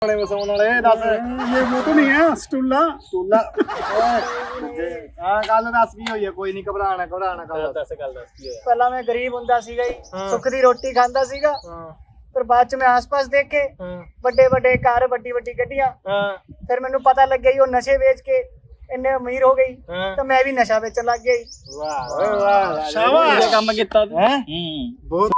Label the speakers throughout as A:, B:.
A: ये वो तो नहीं है स्टूला
B: स्टूला गल दस की हुई है कोई नहीं घबराना घबराना
C: ਪਹਿਲਾਂ ਮੈਂ ਗਰੀਬ ਹੁੰਦਾ ਸੀਗਾ ਜੀ ਸੁੱਖ ਦੀ ਰੋਟੀ ਖਾਂਦਾ ਸੀਗਾ ਫਿਰ ਬਾਅਦ ਚ ਮੈਂ ਆਸ-ਪਾਸ ਦੇਖੇ ਵੱਡੇ ਵੱਡੇ ਘਰ ਵੱਡੀ ਵੱਡੀ ਗੱਡੀਆਂ ਫਿਰ ਮੈਨੂੰ ਪਤਾ ਲੱਗਿਆ ਜੀ ਉਹ ਨਸ਼ੇ ਵੇਚ ਕੇ ਇੰਨੇ ਅਮੀਰ ਹੋ ਗਈ ਤਾਂ ਮੈਂ ਵੀ ਨਸ਼ਾ ਵੇਚਣ ਲੱਗ ਗਿਆ ਜੀ।
B: वाह वाह
A: शाबाश
D: ਕੰਮ ਕੀਤਾ ਤੂੰ
B: बहुत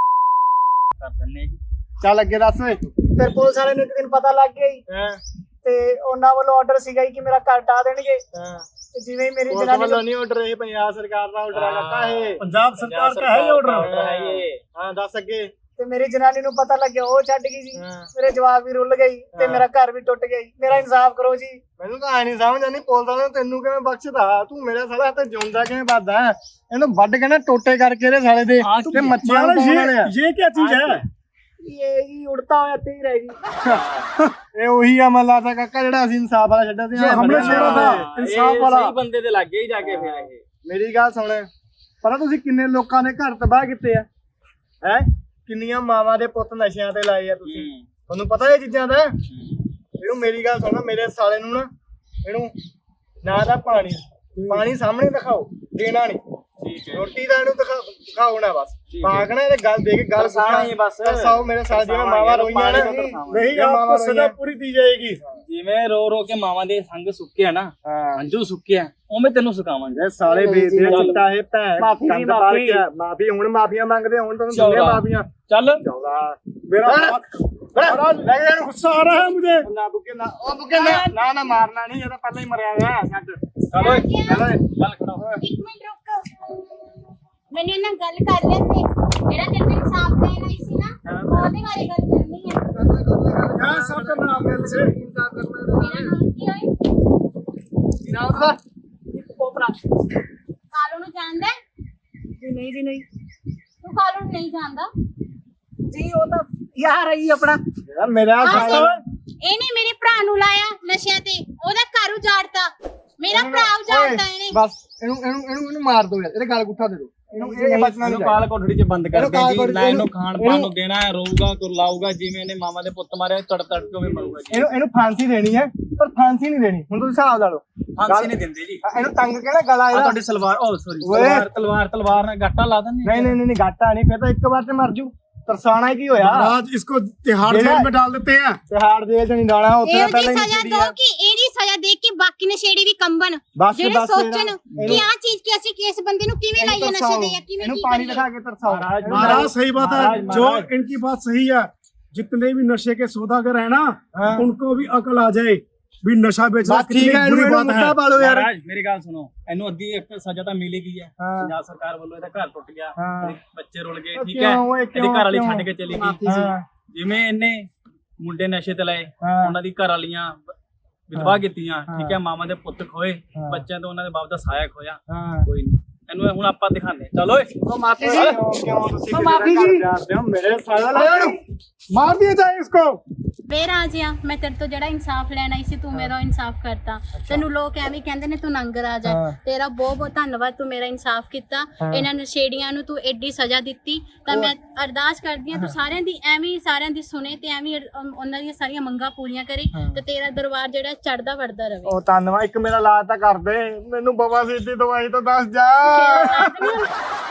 D: ਕਰ ਦਿੰਨੇ ਜੀ।
B: चल अगे दस
C: ਫਿਰ ਪੁਲਿਸ ਵਾਲੇ ਨੂੰ ਇੱਕ ਦਿਨ ਪਤਾ ਲੱਗ ਗਿਆ ਜੀ ਤੇ ਉਹਨਾਂ ਵੱਲੋਂ ਆਰਡਰ ਸੀਗਾ ਜੀ ਕਿ ਮੇਰਾ ਘਰ ਢਾਹ ਦੇਣਗੇ ਤੇ ਜਿਵੇਂ ਹੀ ਮੇਰੀ ਜਨਾਨੀ
B: वालों नहीं ऑर्डर है पंजाब सरकार का ऑर्डर है लगता है
A: पंजाब सरकार का है ये ऑर्डर
B: हां दस अगे
C: ਤੇ ਮੇਰੀ ਜਨਾਨੀ ਨੂੰ ਪਤਾ ਲੱਗਿਆ ਉਹ ਛੱਡ ਗਈ ਜੀ ਮੇਰੇ ਜਵਾਕ ਵੀ ਰੁੱਲ ਗਈ ਤੇ ਮੇਰਾ ਘਰ ਵੀ ਟੁੱਟ ਗਿਆ ਜੀ। ਮੇਰਾ ਇਨਸਾਫ ਕਰੋ ਜੀ।
B: ਮੈਨੂੰ ਤਾਂ ਐ ਨਹੀਂ ਸਮਝ ਆਉਂਦੀ ਪੁਲਿਸ ਵਾਲਿਆਂ ਤੈਨੂੰ ਕਿਵੇਂ ਬਖਸ਼ਦਾ ਤੂੰ ਮੇਰੇ ਸਾਲਾ ਤੇ ਜਿਉਂਦਾ ਕਿਵੇਂ ਵੱਧਦਾ ਇਹਨੂੰ ਵੱਢ ਕੇ ਨਾ ਟੋਟੇ ਕਰਕੇ ਇਹਦੇ ਸਾਲੇ ਦੇ ਤੇ ਮੱਛੀਆਂ ਨੂੰ ਪਾਉਣ ਵਾਲੇ ਆ
A: ये क्या चीज है
C: ਇਹ ਜੀ ਉੜਤਾ ਹੋਇਆ ਤੀਰ ਹੈ ਜੀ।
B: ਇਹ ਉਹੀ ਆ ਮੱਲਾ ਦਾ ਕਾਕਾ ਜਿਹੜਾ ਅਸੀਂ ਇਨਸਾਫ ਵਾਲਾ ਛੱਡਿਆ ਸੀ
A: हमने छोड़ा था इंसाफ वाला
D: ਸਹੀ ਬੰਦੇ ਦੇ ਲੱਗੇ ਹੀ ਜਾ ਕੇ ਫਿਰ ਇਹ
B: ਮੇਰੀ ਗੱਲ ਸੁਣ ਪਤਾ ਤੁਸੀਂ ਕਿੰਨੇ ਲੋਕਾਂ ਦੇ ਘਰ ਤਬਾਹ ਕੀਤੇ ਆ ਹੈ ਕਿੰਨੀਆਂ ਮਾਵਾਂ ਦੇ ਪੁੱਤ ਨਸ਼ਿਆਂ ਤੇ ਲਾਏ ਆ ਤੁਸੀਂ ਤੁਹਾਨੂੰ ਪਤਾ ਇਹ ਚੀਜ਼ਾਂ ਦਾ ਇਹਨੂੰ ਮੇਰੀ ਗੱਲ ਸੁਣ ਮੇਰੇ ਸਾਲੇ ਨੂੰ ਨਾ ਇਹਨੂੰ ਨਾ ਦਾ ਪਾਣੀ ਸਾਹਮਣੇ ਦਿਖਾਓ ਦੇਣਾ ਨਹੀਂ ਰੋਟੀ ਦਾ ਇਹਨੂੰ ਦਿਖਾਓ ਨਾ ਬਸ ਪਾਗਣਾ ਇਹਦੇ ਗੱਲ ਦੇ ਕੇ ਗੱਲ
D: ਦਰਸਾਉਣਾ ਹੀ ਬਸ।
B: ਦਰਸਾਓ ਮੇਰੇ ਸਾਲੇ ਜਿਵੇਂ ਮਾਵਾਂ ਰੋਈਆਂ ਨਾ
A: नहीं आपको सजा पूरी दी जाएगी
D: ਜਿਵੇਂ ਰੋ ਰੋ ਕੇ ਮਾਵਾਂ ਦੇ ਸੰਗ ਸੁੱਕਿਆ ਨਾ ਅੰਜੂ ਸੁੱਕਿਆ ਉਵੇਂ ਤੈਨੂੰ ਸੁਕਾਵਾਂਗੇ
B: ਇਹ ਸਾਲੇ ਵੇਚਦੇ ਆ ਚਿੱਟਾ ਇਹ ਭੈਣ ਕੰਦ ਪਾਲ ਕੇ ਮਾਫੀ ਹੁਣ ਮਾਫੀਆਂ ਮੰਗਦੇ ਹੁਣ ਤੁਹਾਨੂੰ ਦੁਨੀਆ ਮਾਫੀਆਂ
D: ਚੱਲ
A: मेरा गुस्सा आ रहा है मुझे
B: ਨਾ ਬੁੱਕੇ ਨਾ ਉਹ ਬੁੱਕੇ ਨਾ ਮਾਰਨਾ ਨਹੀਂ ਇਹ ਤਾਂ ਪਹਿਲਾਂ ਹੀ ਮਰਿਆ ਹੋਇਆ ਛੱਡ
D: ਚੱਲ ਓਏ ਚੱਲ ਖੜਾ ਹੋ।
E: ਇੱਕ ਮਿੰਟ ਰੁਕ ਮੈਨੂੰ ਇਹਨਾਂ ਗੱਲ ਕਰ ਲੈਂਦੇ ਜਿਹੜਾ ਤੈਨੂੰ ਇਨਸਾਫ ਦੇਣ ਆਈ ਸੀ ਨਾ ਉਹਦੇ ਬਾਰੇ ਗੱਲ ਕਰਨੀ ਹੈ।
A: क्या सब करना आपने से
E: ਮੇਰਾ ਨਾਮ ਕੀ ਹੋਏ
B: ਨਾਮ ਦਾ
C: ਕੋਪਰਾ
E: ਕਾਲੂ ਨੂੰ ਜਾਣਦਾ ਹੈ?
C: ਜੀ ਨਹੀਂ ਜੀ ਨਹੀਂ
E: ਤੂੰ ਕਾਲੂ ਨੂੰ ਨਹੀਂ ਜਾਣਦਾ
C: ਜੀ ਉਹ ਤਾਂ ਯਾਰ ਹੈ ਜੀ ਆਪਣਾ
B: ਯਾਰ ਮੇਰਾ ਸਾਲਾ
E: ਇਹਨੇ ਮੇਰੇ ਭਰਾ ਨੂੰ ਲਾਇਆ ਨਸ਼ਿਆਂ ਤੇ ਉਹਦਾ ਘਰ ਉਜਾੜਤਾ ਮੇਰਾ ਭਰਾ ਉਜਾੜਤਾ ਇਹਨੇ
B: ਬਸ ਇਹਨੂੰ ਮਾਰ ਦੋ ਯਾਰ ਇਹਦੇ ਗਲ ਗੁੱਠਾ ਦੇ ਦੋ ਇਹਨੂੰ ਇਹ ਬਚਣਾ
D: ਇਹਨੂੰ
B: ਨਹੀਂ
D: ਕਾਲ ਕੋਠੜੀ 'ਚ ਬੰਦ ਕਰ ਦੇ
B: ਕਾਲ
D: ਜੀ
B: ਕੋਠੜੀ
D: ਨਾ ਇਹਨੂੰ ਖਾਣ ਪਾਣ ਨੂੰ ਦੇਣਾ ਹੈ ਰੋਊਗਾ ਕੁਰਲਾਊਗਾ ਜਿਵੇਂ ਇਹਨੇ ਮਾਮਾ ਦੇ ਪੁੱਤ ਮਾਰਿਆ ਤੜ ਤੜ ਕੇ ਉਵੇਂ ਮਰੂਗਾ ਜੀ
B: ਇਹਨੂੰ ਫਾਂਸੀ ਦੇਣੀ ਹੈ ਪਰ ਫਾਂਸੀ ਨਹੀਂ ਦੇਣੀ ਹੁਣ ਤੁਸੀਂ ਹਿਸਾਬ ਲਾ ਲਓ
D: ਫਾਂਸੀ ਨਹੀਂ ਦਿੰਦੇ ਜੀ
B: ਇਹਨੂੰ ਤੰਗ ਕਿਹੜਾ ਗਲਾ
D: ਆ
B: ਇਹਦਾ
D: ਤੁਹਾਡੀ ਸਲਵਾਰ ਓ ਸੌਰੀ ਤਲਵਾਰ ਨਾਲ ਗਾਟਾ ਲਾ ਦਿੰਦੇ
B: ਨਹੀਂ ਗਾਟਾ ਨਹੀਂ ਫਿਰ ਤਾਂ ਇੱਕ ਵਾਰ ਤੇ ਮਰ ਜੂ ਤਰਸਾਣਾ ਕੀ ਹੋਇਆ
A: आज इसको तिहाड़ जेल में डाल देते हैं
B: ਤਿਹਾੜ ਜੇਲ੍ਹ ਚ ਨਹੀਂ ਡਾਣਾ ਉੱਥੇ
E: ਇਹੋ
B: ਪਹਿਲਾਂ
E: ਜਿਹੀ
B: ਹੀ
E: ਸਜ਼ਾ ਦੋ ਕਿ ਇਹਦੀ ਸਜ਼ਾ ਦੇਖ ਕੇ ਬਾਕੀ ਨਸ਼ੇੜੀ ਵੀ ਕੰਬਣ
B: ਬਸ
E: ਜਿਹੜੇ
B: ਬਸ
E: ਸੋਚਣ ਕਿ ਆਹ ਚੀਜ਼ ਕਿ ਅਸੀਂ ਕਿਸ ਬੰਦੇ ਨੂੰ ਕਿਵੇਂ ਲਾਈਏ ਨਸ਼ੇ ਦੇ ਜਾਂ ਕਿਵੇਂ
B: ਇਹਨੂੰ
E: ਕੀ
B: ਪਾਣੀ
E: ਕਰੀਏ।
B: ਦਿਖਾ ਕੇ ਤਰਸਾਓ
A: महाराज सही बात है जो इनकी बात सही है जितने भी नशे के सौदागर है ना उनको भी अकल आ जाए भी नशा बेचना
B: बस ठीक है
A: कितनी बुरी
B: ਇਹਨੂੰ
A: बात
B: ਮੁੱਦਾ
A: है
B: ਪਾ ਲਓ ਯਾਰ
D: ਮਹਾਰਾਜ ਮੇਰੀ ਗੱਲ ਸੁਣੋ ਇਹਨੂੰ ਅੱਧੀ ਇੱਕ ਸਜ਼ਾ ਤਾਂ ਮਿਲ ਗਈ ਹੈ ਪੰਜਾਬ ਸਰਕਾਰ ਵੱਲੋਂ ਇਹਦਾ ਘਰ ਟੁੱਟ ਗਿਆ ਇਹਦੇ ਬੱਚੇ ਰੁੱਲ ਗਏ ਠੀਕ ਹੈ ਇਹਦੀ ਘਰ ਵਾਲੀ ਛੱਡ ਕੇ ਚਲੀ ਗਈ ਜਿਵੇਂ ਇਹਨੇ ਮੁੰਡੇ ਨਸ਼ੇ ਤੇ ਲਾਏ ਉਹਨਾਂ ਦੀ ਘਰ ਵਾਲੀਆਂ ਵਿਧਵਾ ਕੀਤੀਆਂ ਠੀਕ ਹੈ ਮਾਮਾ ਦੇ ਪੁੱਤ ਖੋਏ ਬੱਚਿਆਂ ਤੋਂ ਉਹਨਾਂ ਦੇ ਬਾਪ ਦਾ ਸਾਇਆ ਖੋਇਆ ਕੋਈ ਨਹੀਂ ਇਹਨੂੰ ਹੁਣ ਆਪਾਂ ਦਿਖਾਣੇ ਚਲੋ ਓਏ
B: ਉਹ ਮਾਫੀ ਜੀ ਕਿਉਂ ਤੁਸੀਂ ਮਾਫੀ ਜੀ ਜਾਣਦੇ ਹੋ ਮੇਰੇ ਸਾਲਾ
A: मार दिया जाए इसको
E: ਵੇ ਰਾਜਿਆ ਮੈਂ ਤੇਰੇ ਤੋਂ ਜਿਹੜਾ ਇਨਸਾਫ ਲੈਣ ਆਈ ਸੀ ਤੂੰ ਮੇਰਾ ਇਨਸਾਫ ਕਰਤਾ ਤੈਨੂੰ ਲੋਕ ਐਵੇਂ ਕਹਿੰਦੇ ਨੇ ਤੂੰ ਨੰਗ ਰਾਜ ਹੈ ਤੇਰਾ ਬਹੁਤ ਬਹੁਤ ਧੰਨਵਾਦ ਤੂੰ ਮੇਰਾ ਇਨਸਾਫ ਕੀਤਾ ਇਹਨਾਂ ਨਸ਼ੇੜੀਆਂ ਨੂੰ ਤੂੰ ਐਡੀ ਸਜ਼ਾ ਦਿੱਤੀ ਤਾਂ ਮੈਂ ਅਰਦਾਸ ਕਰਦੀ ਹਾਂ ਤੂੰ ਸਾਰਿਆਂ ਦੀ ਐਵੇਂ ਹੀ ਸਾਰਿਆਂ ਦੀ ਸੁਣੇ ਤੇ ਐਵੇਂ ਹੀ ਉਹਨਾਂ ਦੀਆਂ ਸਾਰੀਆਂ ਮੰਗਾਂ ਪੂਰੀਆਂ ਕਰੇ ਤੇ ਤੇਰਾ ਦਰਬਾਰ ਜਿਹੜਾ ਚੜਦਾ ਵੜਦਾ ਰਵੇ
B: ਉਹ ਧੰਨਵਾਦ ਇੱਕ ਮੇਰਾ ਇਲਾਜ ਤਾਂ ਕਰ ਦੇ ਮੈਨੂੰ ਬਵਾਸੀਰ ਦੀ ਦਵਾਈ ਤਾਂ ਦੱਸ ਜਾ